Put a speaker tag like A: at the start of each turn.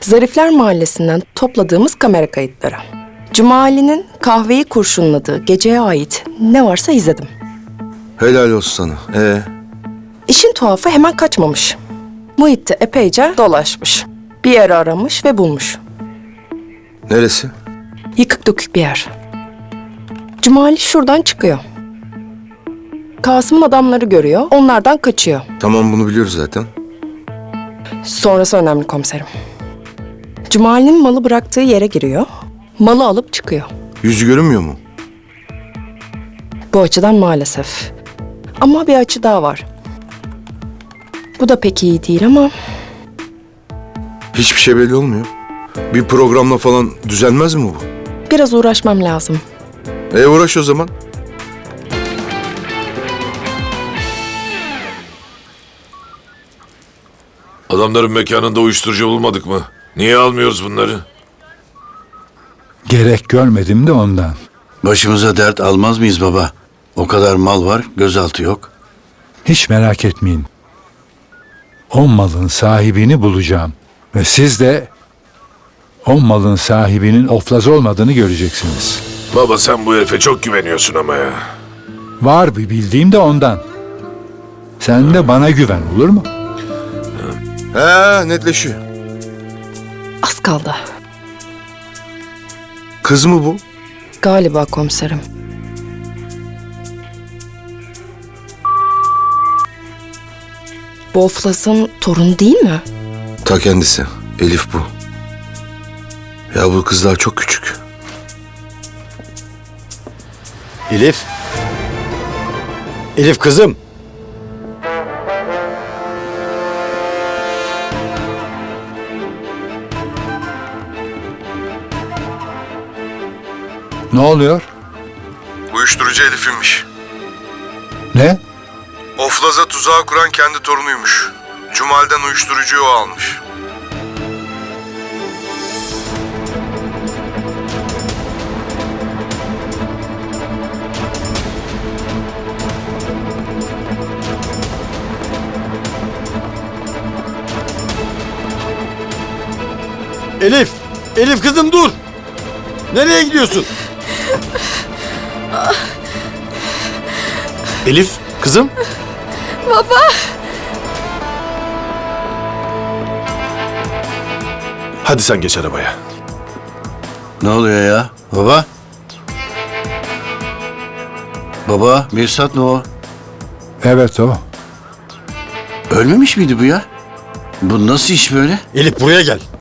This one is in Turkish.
A: Zarifler Mahallesi'nden topladığımız kamera kayıtları. Cumali'nin kahveyi kurşunladığı geceye ait ne varsa izledim.
B: Helal olsun sana.
A: İşin tuhafı hemen kaçmamış. Muhit'te epeyce dolaşmış. Bir yeri aramış ve bulmuş.
B: Neresi?
A: Yıkık dökük bir yer. Cumali şuradan çıkıyor. Kasım adamları görüyor, onlardan kaçıyor.
B: Tamam, bunu biliyoruz zaten.
A: Sonrası önemli komiserim. Cumali'nin malı bıraktığı yere giriyor. Malı alıp çıkıyor.
B: Yüzü görünmüyor mu?
A: Bu açıdan maalesef. Ama bir açı daha var. Bu da pek iyi değil ama
B: Hiçbir şey belli olmuyor. Bir programla falan düzelmez mi bu?
A: biraz uğraşmam lazım.
B: Uğraş o zaman.
C: Adamların mekanında uyuşturucu bulmadık mı? Niye almıyoruz bunları?
D: Gerek görmedim de ondan.
E: Başımıza dert almaz mıyız baba? O kadar mal var, gözaltı yok.
D: Hiç merak etmeyin. O malın sahibini bulacağım. Ve siz de o malın sahibinin oflaz olmadığını göreceksiniz.
C: Baba sen bu herife çok güveniyorsun ama ya.
D: Var bir bildiğim de ondan. Sen de bana güven, olur mu?
B: Netleşiyor.
A: Az kaldı.
B: Kız mı bu?
A: Galiba komiserim. Bu Oflas'ın torunu değil mi?
B: Ta kendisi. Elif bu. Ya bu kız daha çok küçük.
E: Elif. Elif kızım.
D: Ne oluyor?
B: Uyuşturucu Elif'inmiş.
D: Ne?
B: Oflaz'a tuzağı kuran kendi torunuymuş. Cumal'den uyuşturucuyu o almış.
E: Elif. Elif kızım dur. Nereye gidiyorsun? Elif kızım.
A: Baba!
C: Hadi sen geç arabaya.
E: Ne oluyor ya? Baba? Baba, Mirsat ne o?
D: Evet o.
E: Ölmemiş miydi bu ya? Bu nasıl iş böyle?
F: Elif buraya gel.